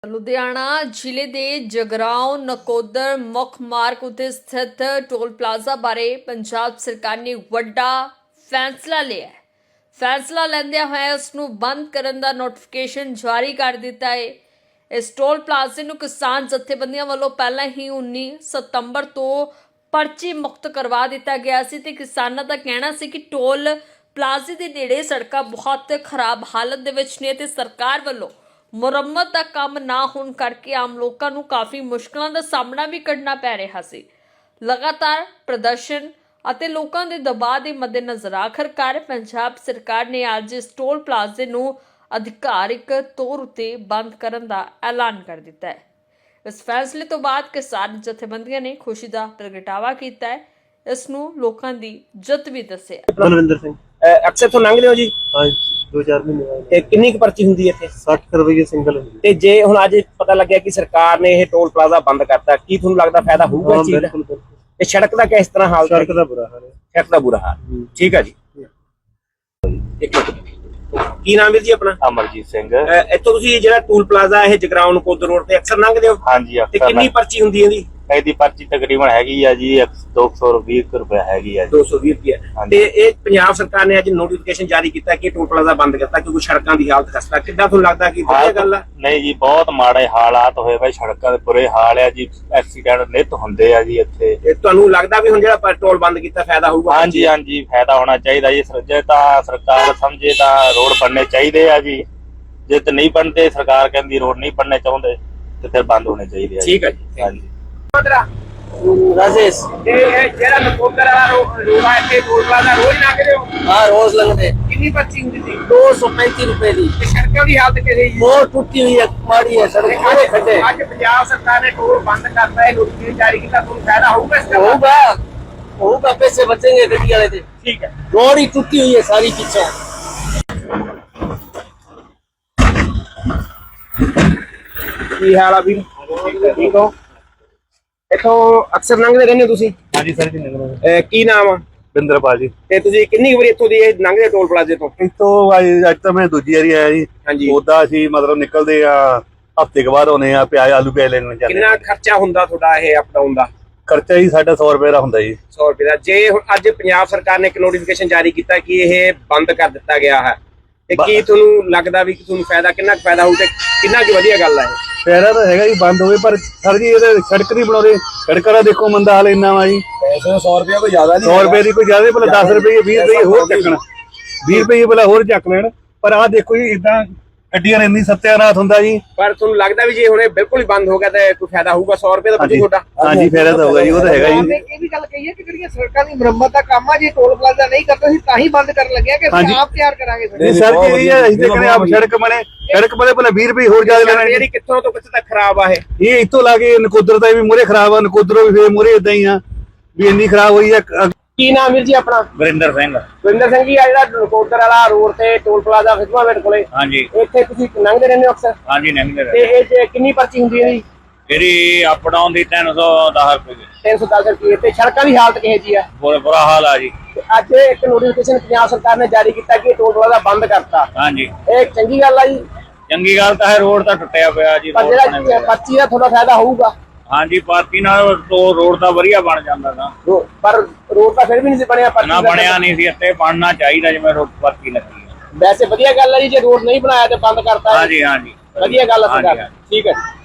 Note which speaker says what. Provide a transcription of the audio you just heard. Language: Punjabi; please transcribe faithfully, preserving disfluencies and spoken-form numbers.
Speaker 1: ਲੁਧਿਆਣਾ ਜ਼ਿਲ੍ਹੇ ਦੇ ਜਗਰਾਉਂ ਨਕੋਦਰ ਮੁੱਖ ਮਾਰਗ ਉੱਤੇ ਸਥਿਤ ਟੋਲ ਪਲਾਜ਼ਾ ਬਾਰੇ ਪੰਜਾਬ ਸਰਕਾਰ ਨੇ ਵੱਡਾ ਫੈਸਲਾ ਲਿਆ ਹੈ। ਫੈਸਲਾ ਲੈਂਦਿਆਂ ਹੋਇਆ ਉਸ ਨੂੰ ਬੰਦ ਕਰਨ ਦਾ ਨੋਟੀਫਿਕੇਸ਼ਨ ਜਾਰੀ ਕਰ ਦਿੱਤਾ ਹੈ। ਇਸ ਟੋਲ ਪਲਾਜ਼ੇ ਨੂੰ ਕਿਸਾਨ ਜਥੇਬੰਦੀਆਂ ਵੱਲੋਂ ਪਹਿਲਾਂ ਹੀ ਉੱਨੀ ਸਤੰਬਰ ਤੋਂ ਪਰਚੀ ਮੁਕਤ ਕਰਵਾ ਦਿੱਤਾ ਗਿਆ ਸੀ ਤੇ ਕਿਸਾਨਾਂ ਦਾ ਕਹਿਣਾ ਸੀ ਕਿ ਟੋਲ ਪਲਾਜ਼ੇ ਦੇ ਨੇੜੇ ਸੜਕਾਂ ਬਹੁਤ ਖਰਾਬ ਹਾਲਤ ਦੇ ਵਿੱਚ ਨੇ ਤੇ ਸਰਕਾਰ ਵੱਲੋਂ ਮੁਰੰਮਤ ਦਾ ਕੰਮ ਨਾ ਹੋਣ ਕਰਕੇ ਆਮ ਲੋਕਾਂ ਨੂੰ ਕਾਫੀ ਮੁਸ਼ਕਲਾਂ ਦਾ ਸਾਹਮਣਾ ਵੀ ਕਰਨਾ ਪੈ ਰਿਹਾ ਸੀ। ਲਗਾਤਾਰ ਪ੍ਰਦਰਸ਼ਨ ਅਤੇ ਲੋਕਾਂ ਦੇ ਦਬਾਅ ਦੇ ਮੱਦੇਨਜ਼ਰ ਆਖਰਕਾਰ ਪੰਜਾਬ ਸਰਕਾਰ ਨੇ ਅੱਜ ਇਸ ਟੋਲ ਪਲਾਜ਼ੇ ਨੂੰ ਅਧਿਕਾਰਿਕ ਤੌਰ ਉੱਤੇ ਬੰਦ ਕਰਨ ਦਾ ਐਲਾਨ ਕਰ ਦਿੱਤਾ ਹੈ। ਇਸ ਫੈਸਲੇ ਤੋਂ ਬਾਅਦ ਕਿਸਾਨ ਜਥੇਬੰਦੀਆਂ ਨੇ ਖੁਸ਼ੀ ਦਾ ਪ੍ਰਗਟਾਵਾ ਕੀਤਾ ਹੈ। ਇਸ ਨੂੰ ਲੋਕਾਂ ਦੀ ਜਿੱਤ ਵੀ ਦੱਸਿਆ।
Speaker 2: ਬਲਵਿੰਦਰ ਸਿੰਘ
Speaker 3: ਅਕਸਰ ਤੋਂ ਲੰਘਦੇ ਹੋ ਜੀ?
Speaker 2: ਹਾਂ ਦੋ ਚਾਰ ਮਹੀਨੇ ਬਾਅਦ।
Speaker 3: ਤੇ ਕਿੰਨੀ ਕੁ ਪਰਚੀ ਹੁੰਦੀ ਹੈ ਇੱਥੇ?
Speaker 2: ਸੱਠ ਰੁਪਏ ਸਿੰਗਲ ਹੁੰਦੀ
Speaker 3: ਤੇ ਜੇ ਹੁਣ ਅੱਜ ਪਤਾ ਲੱਗਿਆ ਕਿ ਸਰਕਾਰ ਨੇ ਇਹ ਟੋਲ ਪਲਾਜ਼ਾ ਬੰਦ ਕਰਤਾ, ਕੀ ਤੁਹਾਨੂੰ ਲੱਗਦਾ ਫਾਇਦਾ ਹੋਊਗਾ ਇਸ ਚੀਜ਼ ਦਾ?
Speaker 2: ਬਿਲਕੁਲ।
Speaker 3: ਤੇ ਸੜਕ ਦਾ ਕਿਸ ਤਰ੍ਹਾਂ ਹਾਲ?
Speaker 2: ਸੜਕ ਦਾ ਬੁਰਾ ਹਾਲ ਹੈ।
Speaker 3: ਸੜਕ ਦਾ ਬੁਰਾ ਹਾਲ। ਠੀਕ ਹੈ ਜੀ। ਇੱਕ ਮਿੰਟ। ਕੀ ਨਾਮ ਹੈ ਜੀ ਆਪਣਾ?
Speaker 4: ਅਮਰਜੀਤ ਸਿੰਘ।
Speaker 3: ਅਹ ਇੱਥੋਂ ਤੁਸੀਂ ਜਿਹੜਾ ਟੋਲ ਪਲਾਜ਼ਾ ਇਹ ਜਗਰਾਉਂ ਨਕੋਦਰ ਰੋਡ ਤੇ ਅਕਸਰ ਲੰਘਦੇ ਹੋ?
Speaker 4: ਹਾਂਜੀ
Speaker 3: ਤੇ ਕਿੰਨੀ ਪਰਚੀ ਹੁੰਦੀ ਹੈ ਇਹਦੀ?
Speaker 4: ਇਹਦੀ ਪਰਚੀ ਤਕਰੀਬਨ ਹੈਗੀ ਆ ਜੀ ਦੋ ਸੌ ਵੀਹ ਰੁਪਏ ਹੈਗੀ ਆ ਜੀ।
Speaker 3: ਦੋ ਸੌ ਵੀਹ ਰੁਪਏ। ਤੇ ਇਹ ਪੰਜਾਬ ਸਰਕਾਰ ਨੇ ਅੱਜ ਨੋਟੀਫਿਕੇਸ਼ਨ ਜਾਰੀ ਕੀਤਾ ਕਿ ਟੋਲ ਪਲਾਜ਼ਾ ਬੰਦ ਕਰਤਾ ਕਿਉਂਕਿ ਸੜਕਾਂ ਦੀ ਹਾਲਤ ਖਸਤਾ। ਕਿੱਦਾਂ ਤੁਹਾਨੂੰ ਲੱਗਦਾ ਕਿ ਵਧੀਆ ਗੱਲ ਆ?
Speaker 4: ਨਹੀਂ ਜੀ, ਬਹੁਤ ਮਾੜੇ ਹਾਲਾਤ ਹੋਏ ਭਾਈ, ਸੜਕਾਂ ਦੇ ਬੁਰੇ ਹਾਲ ਆ ਜੀ, ਐਕਸੀਡੈਂਟ ਨਿਤ ਹੁੰਦੇ ਆ ਜੀ ਇੱਥੇ।
Speaker 3: ਤੇ ਤੁਹਾਨੂੰ ਲੱਗਦਾ ਵੀ ਹੁਣ ਜਿਹੜਾ ਟੋਲ ਬੰਦ ਕੀਤਾ ਫਾਇਦਾ ਹੋਊਗਾ?
Speaker 4: ਹਾਂਜੀ ਹਾਂਜੀ, ਫਾਇਦਾ ਹੋਣਾ ਚਾਹੀਦਾ ਜੀ। ਜੇ ਤਾਂ ਸਰਕਾਰ ਸਮਝੇ ਤਾਂ ਰੋਡ ਬਣਨੇ ਚਾਹੀਦੇ ਆ ਜੀ, ਜੇ ਤਾਂ ਨਹੀਂ ਬਣਦੇ, ਸਰਕਾਰ ਕਹਿੰਦੀ ਰੋਡ ਨਹੀਂ ਬਣਨੇ ਚਾਹੁੰਦੇ ਤੇ ਫਿਰ ਬੰਦ ਹੋਣੇ ਚਾਹੀਦੇ ਆ।
Speaker 3: ਠੀਕ ਹੈ ਜੀ।
Speaker 4: ਹਾਂਜੀ।
Speaker 2: ਰਾਜੇਸ਼
Speaker 3: ਇਹ ਜਿਹੜਾ ਨਕੋਦਰ ਵਾਲਾ ਰੋਡ ਹੈ ਇੱਥੇ ਟੋਲ ਪਲਾਜ਼ਾ ਰੋਜ਼ ਲੰਘਦੇ ਹੋ?
Speaker 2: हाँ रोज लगते
Speaker 3: ਕਿੰਨੀ ਪਰਚੀ ਹੁੰਦੀ ਸੀ?
Speaker 2: दो सौ पैंतीस रुपए दी।
Speaker 3: ਤੇ ਸੜਕਾਂ ਦੀ ਹਾਲਤ ਕਿਹੜੀ ਜੀ?
Speaker 2: बहुत टूटी हुई है, माड़ी है सड़क, पूरे खड्डे।
Speaker 3: ਅੱਜ ਪੰਜਾਬ ਸਰਕਾਰ ਨੇ ਟੋਲ ਬੰਦ ਕਰਤਾ ਹੈ, ਨੋਟੀਫਿਕੇਸ਼ਨ ਜਾਰੀ ਕੀਤਾ, ਤੁਹਾਨੂੰ ਫਾਇਦਾ ਹੋਊਗਾ ਇਸ ਦਾ?
Speaker 2: होगा होगा, पैसे बचेंगे गड्डी वाले से।
Speaker 3: ਠੀਕ ਹੈ।
Speaker 2: रोड ही टूटी हुई है सारी पीछे।
Speaker 3: ਕੀ ਹਾਲ ਆ ਵੀਰ? ਠੀਕ ਹੋ? ਇੱਥੋਂ ਅਕਸਰ ਲੰਘਦੇ ਰਹਿੰਦੇ ਹੋ ਤੁਸੀਂ?
Speaker 4: ਹਾਂਜੀ ਸਰ ਜੀ, ਨਿਕਲੋ।
Speaker 3: ਅਹ ਕੀ ਨਾਮ ਆ?
Speaker 4: ਬਿੰਦਰਪਾਲ ਜੀ।
Speaker 3: ਤੇ ਤੁਸੀਂ ਕਿੰਨੀ ਕੁ ਵਾਰੀ ਇੱਥੋਂ ਦੀ ਇਹ ਲੰਘਦੇ ਟੋਲ ਪਲਾਜ਼ੇ ਤੋਂ?
Speaker 4: ਇਤੋਂ ਅੱਜ ਤਾਂ ਮੈਂ ਦੂਜੀ ਵਾਰੀ ਆਇਆ ਜੀ।
Speaker 3: ਹਾਂਜੀ।
Speaker 4: ਉਦਾਂ ਅਸੀਂ ਮਤਲਬ ਨਿਕਲਦੇ ਆ ਹਫਤੇ ਕੁ ਬਾਅਦ ਹੋਣੇ ਆ, ਪਿਆਜ਼ ਆਲੂ ਪਿਆਜ਼ ਲੈਣ ਜਾਂਦੇ।
Speaker 3: ਕਿੰਨਾ ਖਰਚਾ ਹੁੰਦਾ ਤੁਹਾਡਾ ਇਹ ਅਪ ਡਾਊਨ ਦਾ?
Speaker 4: ਖਰਚਾ ਜੀ ਸਾਡਾ ਸੌ ਰੁਪਏ ਦਾ ਹੁੰਦਾ ਜੀ।
Speaker 3: ਸੌ ਰੁਪਏ ਦਾ। ਜੇ ਹੁਣ ਅੱਜ ਪੰਜਾਬ ਸਰਕਾਰ ਨੇ ਇੱਕ ਨੋਟੀਫਿਕੇਸ਼ਨ ਜਾਰੀ ਕੀਤਾ ਕਿ ਇਹ ਬੰਦ ਕਰ ਦਿੱਤਾ ਗਿਆ ਹੈ, ਤੇ ਕੀ ਤੁਹਾਨੂੰ ਲੱਗਦਾ ਵੀ ਕਿ ਤੁਹਾਨੂੰ ਫਾਇਦਾ, ਕਿੰਨਾ ਕੁ ਫਾਇਦਾ ਹੋਊ ਤੇ ਕਿੰਨਾ ਕੁ ਵਧੀਆ ਗੱਲ ਹੈ?
Speaker 4: ਫਾਇਦਾ ਤਾਂ ਹੈਗਾ ਜੀ, ਬੰਦ ਹੋਵੇ, ਪਰ ਸਰ ਜੀ ਇਹਦੇ ਸੜਕ ਨਹੀਂ ਬਣਾਉਂਦੇ। ਸੜਕਾਂ ਦਾ ਦੇਖੋ ਮੰਦਾ ਹਾਲ ਇੰਨਾ ਵਾ ਜੀ।
Speaker 3: ਪੈਸੇ ਸੌ ਰੁਪਏ ਕੋਈ ਜ਼ਿਆਦਾ
Speaker 4: ਸੌ ਰੁਪਏ ਦੀ ਕੋਈ ਜ਼ਿਆਦਾ, ਭਲਾ ਦਸ ਰੁਪਏ ਵੀਹ ਰੁਪਏ ਹੋਰ ਚੱਕਣ, ਵੀਹ ਰੁਪਏ ਭਲਾ ਹੋਰ ਚੱਕ ਲੈਣ। ਪਰ ਆਹ ਦੇਖੋ ਜੀ, ਇਦਾਂ ਗੱਡੀਆਂ ਨੇ ਇੰਨੀ ਸੱਤਿਆਨਾਸ਼ ਹੁੰਦਾ ਜੀ।
Speaker 3: ਪਰ ਤੁਹਾਨੂੰ ਲੱਗਦਾ ਵੀ ਜੇ ਹੁਣ ਇਹ ਬਿਲਕੁਲ ਹੀ ਬੰਦ ਹੋ ਗਿਆ ਤਾਂ ਕੋਈ ਫਾਇਦਾ ਹੋਊਗਾ? ਸੌ ਰੁਪਏ ਦਾ ਬਚੂ ਤੁਹਾਡਾ?
Speaker 4: ਹਾਂਜੀ, ਫਾਇਦਾ ਤਾਂ ਹੋਊਗਾ ਜੀ, ਉਹ ਤਾਂ ਹੈਗਾ ਜੀ।
Speaker 5: ਇਹ ਵੀ ਗੱਲ ਕਹੀ ਹੈ ਕਿ ਜਿਹੜੀਆਂ ਸੜਕਾਂ ਦੀ ਮੁਰੰਮਤ ਦਾ ਕੰਮ ਆ, ਜੇ ਟੋਲ ਪਲਾਜ਼ਾ ਨਹੀਂ ਕਰਦਾ ਸੀ ਤਾਂ ਹੀ ਬੰਦ ਕਰਨ ਲੱਗਿਆ ਕਿ ਅਸੀਂ ਆਪ ਤਿਆਰ ਕਰਾਂਗੇ ਸੜਕ।
Speaker 4: ਨਹੀਂ ਸਰ ਜੀ, ਇਹ ਅਸੀਂ ਤਾਂ ਕਹਿੰਦੇ ਆਪ ਸੜਕ ਬਣੇ, ਸੜਕ ਬਣੇ ਭਲਾ ਵੀਹ ਰੁਪਏ ਹੋਰ ਜ਼ਿਆਦਾ ਲੈਣਾ।
Speaker 3: ਜਿਹੜੀ ਕਿੱਥੋਂ ਤੋਂ ਕਿੱਥੇ ਤੱਕ ਖਰਾਬ ਆ ਇਹ?
Speaker 4: ਇਹ ਇੱਥੋਂ ਲਾ ਕੇ ਨਕੋਦਰ ਦਾ ਵੀ ਮੂਹਰੇ ਖਰਾਬ ਆ, ਨਕੋਦਰੋਂ ਵੀ ਫੇਰ ਮੂਹਰੇ ਏਦਾਂ ਹੀ ਆ ਵੀ ਇੰਨੀ ਖਰਾਬ ਹੋਈ ਆ।
Speaker 3: ਕੀ ਨਾਮ ਵੀਰ ਜੀ ਆਪਣਾ?
Speaker 4: ਵਰਿੰਦਰ ਸਿੰਘ।
Speaker 3: ਵਰਿੰਦਰ ਸਿੰਘ ਜੀ, ਆ ਜਿਹੜਾ ਨਕੋਦਰ ਵਾਲਾ ਰੋਡ ਤੇ ਟੋਲ ਪਲਾਜ਼ਾ ਫਿਜ਼ਮਾਵੇਟ ਕੋਲੇ,
Speaker 4: ਹਾਂਜੀ
Speaker 3: ਇੱਥੇ ਤੁਸੀਂ ਲੰਘਦੇ ਰਹਿੰਦੇ ਹੋ ਅਕਸਰ?
Speaker 4: ਹਾਂਜੀ, ਨਹੀਂ
Speaker 3: ਤੇ ਇਹ 'ਚ ਕਿੰਨੀ ਪਰਚੀ ਹੁੰਦੀ ਹੈ ਜੀ?
Speaker 4: ਜਿਹੜੀ ਅਪ ਡਾਊਨ ਦੀ ਤਿੰਨ ਸੌ ਦਸ ਰੁਪਏ ਦੀ।
Speaker 3: ਤਿੰਨ ਸੌ ਦਸ ਰੁਪਏ। ਤੇ ਸੜਕਾਂ ਦੀ ਹਾਲਤ ਕਿਹੋ ਜੀ ਆ?
Speaker 4: ਬੁਰਾ ਬੁਰਾ ਹਾਲ ਆ ਜੀ।
Speaker 3: ਤੇ ਅੱਜ ਇੱਕ ਨੋਟੀਫਿਕੇਸ਼ਨ ਪੰਜਾਬ ਸਰਕਾਰ ਨੇ ਜਾਰੀ ਕੀਤਾ ਕਿ ਟੋਲ ਪਲਾਜ਼ਾ ਬੰਦ ਕਰਤਾ,
Speaker 4: ਹਾਂਜੀ,
Speaker 3: ਇਹ ਚੰਗੀ ਗੱਲ ਆ ਜੀ?
Speaker 4: ਚੰਗੀ ਗੱਲ ਤਾਂ ਹੈ, ਰੋਡ ਤਾਂ ਟੁੱਟਿਆ ਪਿਆ ਜੀ।
Speaker 3: ਪਰ
Speaker 4: ਰੋਡ ਬਣੇ
Speaker 3: ਜਿਹੜਾ
Speaker 4: ਹੋਏ ਆ।
Speaker 3: ਪਰਚੀ ਦਾ ਥੋੜਾ ਫਾਇਦਾ ਹੋਊਗਾ?
Speaker 4: ਹਾਂਜੀ, ਪਾਰਟੀ ਨਾਲ ਤੋਂ ਰੋਡ ਤਾਂ ਵਧੀਆ ਬਣ ਜਾਂਦਾ ਨਾ।
Speaker 3: ਰੋ- ਪਰ ਰੋਡ ਤਾਂ ਫਿਰ ਵੀ ਨਹੀਂ ਸੀ ਬਣਿਆ ਪਰਚੀ
Speaker 4: ਨਾ
Speaker 3: ਦਾ।
Speaker 4: ਬਣਿਆ ਨਹੀਂ ਸੀ, ਇੱਥੇ ਬਣਨਾ ਚਾਹੀਦਾ ਜਿਵੇਂ ਰੋਡ ਪਾਰਟੀ ਲੱਗੀ ਹੈ।
Speaker 3: ਵੈਸੇ ਵਧੀਆ ਗੱਲ ਹੈ ਜੀ, ਜੇ ਰੋਡ ਨਹੀਂ ਬਣਾਇਆ ਤੇ ਬੰਦ ਕਰਤਾ ਹੈ।
Speaker 4: ਹਾਂਜੀ ਹਾਂਜੀ,
Speaker 3: ਵਧੀਆ ਗੱਲ ਹੈ
Speaker 4: ਹਾਂਜੀ,
Speaker 3: ਸਰਕਾਰ।
Speaker 4: ਹਾਂਜੀ।
Speaker 3: ਠੀਕ ਹੈ ਜੀ।